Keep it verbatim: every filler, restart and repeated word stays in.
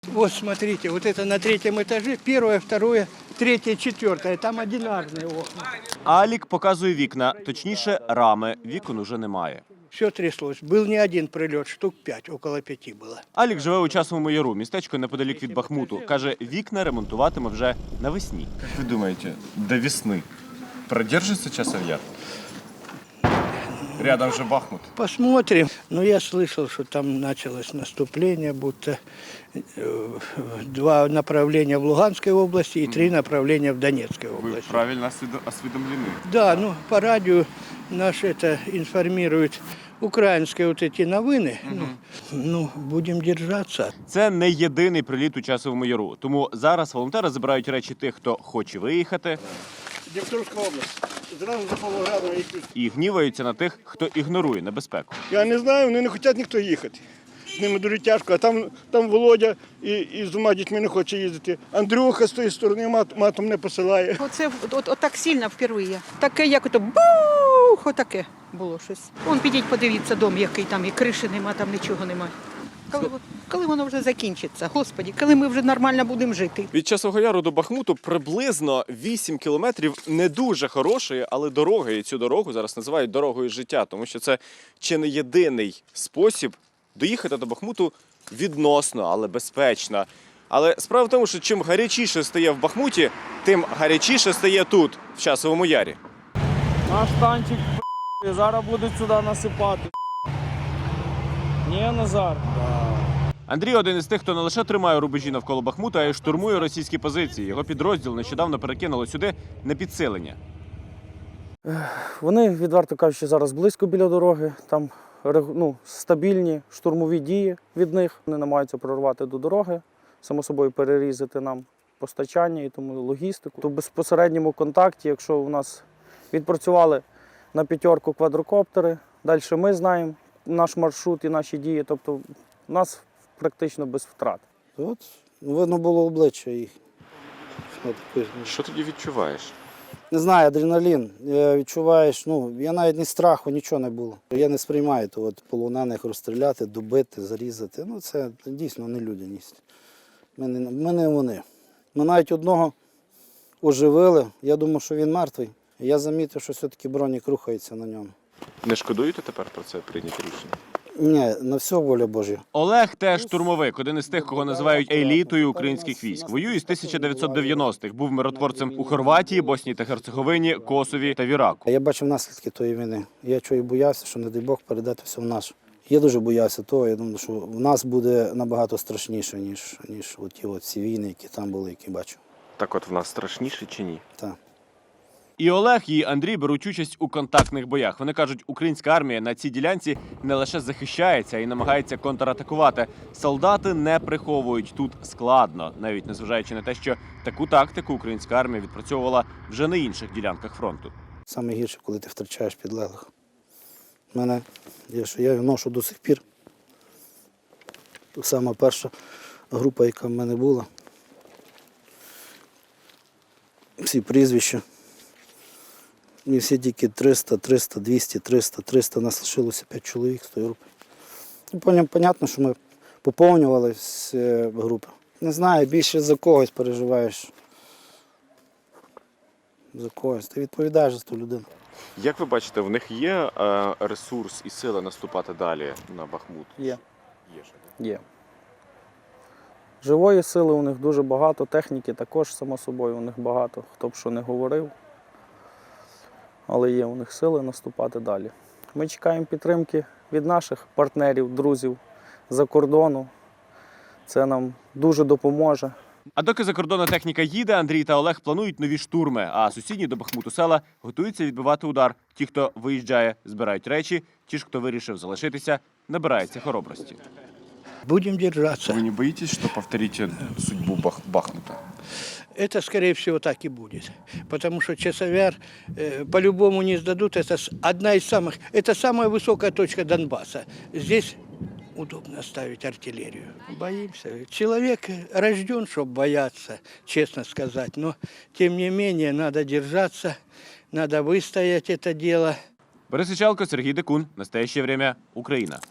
Вот смотрите, вот это на третьем этаже, первое, второе, третье, четвертое, там одинарные окна. Алік показує вікна, точніше рами, вікон уже немає. Все тряслось. Был не один прилет, штук пять, около пяти было. Алік живе у Часовому Яру, містечко неподалік від Бахмуту. Каже, вікна ремонтуватиме вже навесні. Как вы думаете, до весны продержится Часов Яр? Рядом же Бахмут. Посмотрим. Но я слышал, что там началось наступление, будто э, два направления в Луганской области и три направления в Донецкой Вы области. правильно осведо- осведомлены. Да, ну по радио наш это информирует украинские вот эти новины. Ну, ну, будем держаться. Це не єдиний приліт у Часовому Яру. Тому зараз волонтери забирають речі тих, хто хоче виїхати, Дніпровська область. Зразу за Павлоградом якийсь. і гніваються на тих, хто ігнорує небезпеку. Я не знаю, вони не хочуть ніхто їхати. З ними дуже тяжко, а там, там Володя і, і з двома дітьми не хоче їздити. Андрюха з тої сторони мат, матом не посилає. Оце от, от так сильно вперше. Таке, як ото бух, отаке було щось. Вон підіть, подивіться дом, який там, і криші нема, там нічого немає. Коли, коли воно вже закінчиться, Господі, коли ми вже нормально будемо жити. Від Часового Яру до Бахмуту приблизно вісім кілометрів не дуже хорошої, але дороги. І цю дорогу зараз називають дорогою життя, тому що це чи не єдиний спосіб доїхати до Бахмуту відносно, але безпечно. Але справа в тому, що чим гарячіше стає в Бахмуті, тим гарячіше стає тут, в Часовому Ярі. Наш танчик зараз будуть сюди насипати. Ні, Назар. Андрій один із тих, хто не лише тримає рубежі навколо Бахмута, а й штурмує російські позиції. Його підрозділ нещодавно перекинуло сюди на підсилення. Вони, відверто кажучи, зараз близько біля дороги. Там ну, стабільні штурмові дії від них. Вони намагаються прорвати до дороги, само собою перерізати нам постачання і тому логістику. То в безпосередньому контакті, якщо у нас відпрацювали на п'ятерку квадрокоптери, далі ми знаємо наш маршрут і наші дії. Тобто у нас практично без втрат. От видно було обличчя їх. Що тоді відчуваєш? Не знаю, адреналін. Е, Відчуваєш, ну, я навіть ні страху, нічого не було. Я не сприймаю то, от, полонених розстріляти, добити, зарізати. Ну, це дійсно нелюдяність. Ми не, ми не вони. Ми навіть одного оживили. Я думав, що він мертвий. Я замітив, що все-таки бронік рухається на ньому. Не шкодуєте тепер про це прийняти рішення? Ні, на все воля Божа. Олег теж штурмовик, один із тих, кого називають елітою українських військ. Воює з тисяча дев'ятсот дев'яностих, був миротворцем у Хорватії, Боснії та Герцеговині, Косові та в Іраку. Я бачив наслідки тої війни. Я чого і боявся, що, не дай Бог, передати все в наш. Я дуже боявся того, я думаю, що в нас буде набагато страшніше, ніж, ніж ті от всі війни, які там були, які бачив. Так от в нас страшніше чи ні? Так. І Олег, і Андрій беруть участь у контактних боях. Вони кажуть, українська армія на цій ділянці не лише захищається, а й намагається контратакувати. Солдати не приховують, тут складно, навіть незважаючи на те, що таку тактику українська армія відпрацьовувала вже на інших ділянках фронту. Саме гірше, коли ти втрачаєш підлеглих. У мене є, що я ношу до сих пір. Сама перша група, яка в мене була. Всі прізвища. І всі тільки триста, триста, двісті, триста, триста. Нас лишилося п'ять чоловік з тої групи. І потім, понятно, що ми поповнювали всі групи. Не знаю, більше за когось переживаєш. За когось. Ти відповідаєш за ту людину. Як ви бачите, в них є е, ресурс і сила наступати далі на Бахмут? Є. Є ж. Є. Живої сили у них дуже багато, техніки також, само собою, у них багато, хто б що не говорив. Але є у них сили наступати далі. Ми чекаємо підтримки від наших партнерів, друзів за кордону. Це нам дуже допоможе. А доки закордонна техніка їде, Андрій та Олег планують нові штурми, а сусідні до Бахмуту села готуються відбивати удар. Ті, хто виїжджає, збирають речі, ті ж, хто вирішив залишитися, набираються хоробрості. Будем держаться. Вы не боитесь, что повторите судьбу Бах- Бахмута? Это, скорее всего, так и будет. Потому что Часовяр э, по-любому не сдадут. Это с- одна из самых... Это самая высокая точка Донбасса. Здесь удобно ставить артиллерию. Боимся. Человек рожден, чтобы бояться, честно сказать. Но, тем не менее, надо держаться, надо выстоять это дело. Борис Ічалко, Сергій Декун. Настоящее время. Україна.